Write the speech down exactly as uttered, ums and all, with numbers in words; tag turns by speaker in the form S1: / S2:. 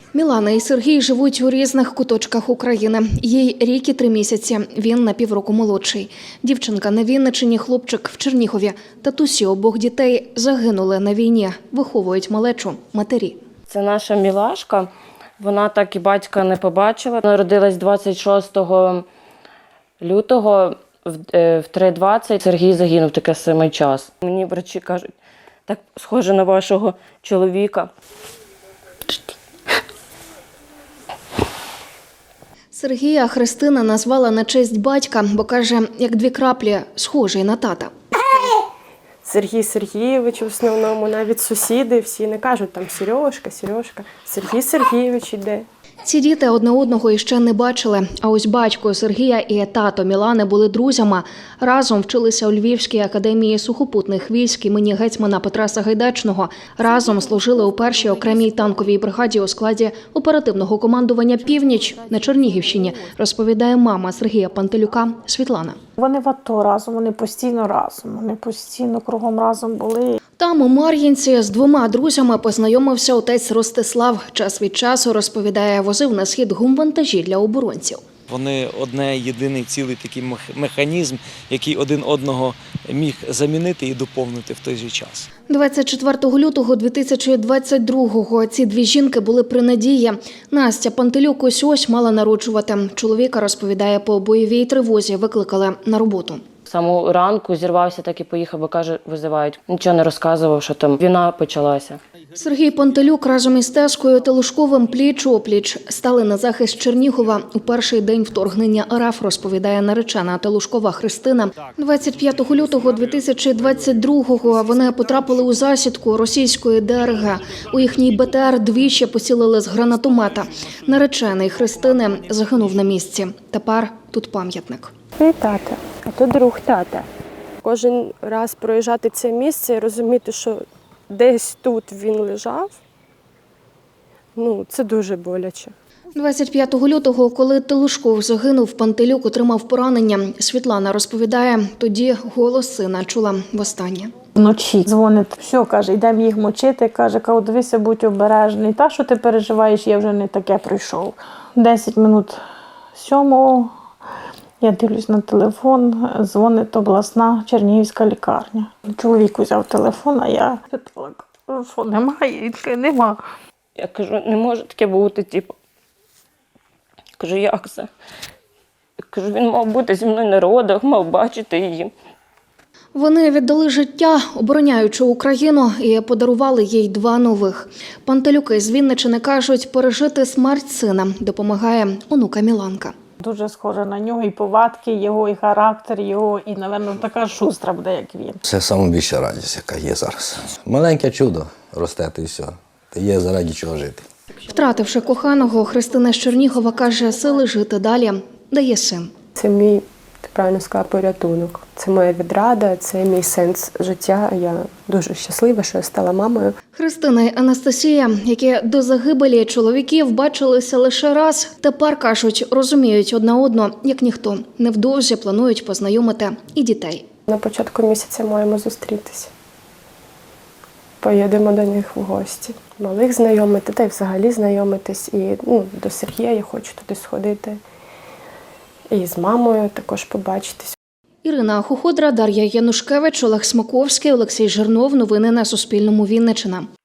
S1: Мілана і Сергій живуть у різних куточках України. Їй рік і три місяці, він на півроку молодший. Дівчинка на Вінниччині, хлопчик в Чернігові. Татусі обох дітей загинули на війні, виховують малечу матері.
S2: Це наша мілашка, вона так і батька не побачила. Народилась двадцять шостого лютого в три двадцять. Сергій загинув таке самий час. Мені врачі кажуть, так схоже на вашого чоловіка.
S1: Сергія Христина назвала на честь батька, бо каже, як дві краплі, схожий на тата.
S3: Сергій Сергійович в основному, навіть сусіди всі не кажуть там Сережка, Сережка. Сергій Сергійович іде.
S1: Ці діти одне одного іще не бачили, а ось батько Сергія і тато Мілани були друзями. Разом вчилися у Львівській академії сухопутних військ імені гетьмана Петра Сагайдачного. Разом служили у першій окремій танковій бригаді у складі оперативного командування «Північ» на Чернігівщині, розповідає мама Сергія Пантелюка Світлана.
S4: Вони в АТО разом, вони постійно разом, вони постійно кругом разом були.
S1: Там у Мар'їнці з двома друзями познайомився отець Ростислав. Час від часу, розповідає, возив на схід гумвантажі для оборонців.
S5: Вони одне єдиний цілий такий механізм, який один одного міг замінити і доповнити в той же час.
S1: двадцять четвертого лютого дві тисячі двадцять другого ці дві жінки були при надії. Настя Пантелюк ось-ось мала народжувати. Чоловіка, розповідає, по бойовій тривозі викликали на роботу.
S2: З самого ранку зірвався, так і поїхав, бо каже, визивають. Нічого не розказував, що там війна почалася.
S1: Сергій Пантелюк разом із Тескою Телушковим пліч-опліч стали на захист Чернігова у перший день вторгнення РФ, розповідає наречена Телушкова Христина. двадцять п'ятого лютого дві тисячі двадцять другого вони потрапили у засідку російської ДРГ. У їхній БТР двічі поцілили з гранатомета. Наречений Христини загинув на місці. Тепер тут пам'ятник.
S3: І тата, а то друг тата. Кожен раз проїжджати це місце і розуміти, що десь тут він лежав, ну, це дуже боляче.
S1: двадцять п'ятого лютого, коли Телушков загинув, Пантелюк отримав поранення. Світлана розповідає, тоді голос сина чула востаннє.
S4: Вночі дзвонить, все, каже, йдемо їх мочити, каже, каже, дивися, будь обережний. Та, що ти переживаєш, я вже не таке пройшов. Десять минут сьомого. Я дивлюсь на телефон, дзвонить обласна Чернігівська лікарня. Чоловік взяв телефон, а я питала, що немає, і нема.
S2: Я кажу, не може таке бути, типу. Кажу, як це? Я кажу, він мав бути зі мною на родах, мав бачити її.
S1: Вони віддали життя, обороняючи Україну, і подарували їй два нових. Пантелюки з Вінниччини кажуть, пережити смерть сина допомагає онука Міланка.
S4: Дуже схожа на нього і повадки його, і характер його, і, напевно, така шустра буде, як він.
S6: Це найбільша радість, яка є зараз. Маленьке чудо росте, і все. Є заради чого жити.
S1: Втративши коханого, Христина з Чернігова каже, сили жити далі дає син.
S3: Це мій, ти правильно сказала, порятунок. Це моя відрада, це мій сенс життя. Я дуже щаслива, що я стала мамою.
S1: Христина і Анастасія, які до загибелі чоловіків бачилися лише раз, тепер, кажуть, розуміють одна одну, як ніхто. Невдовзі планують познайомити і дітей.
S3: На початку місяця маємо зустрітися. Поїдемо до них в гості. Малих знайомити, та й взагалі знайомитись. І ну, до Сергія я хочу туди сходити. І з мамою також побачитись.
S1: Ірина Хуходра, Дар'я Янушкевич, Олег Смаковський, Олексій Жирнов. Новини на Суспільному. Вінниччина.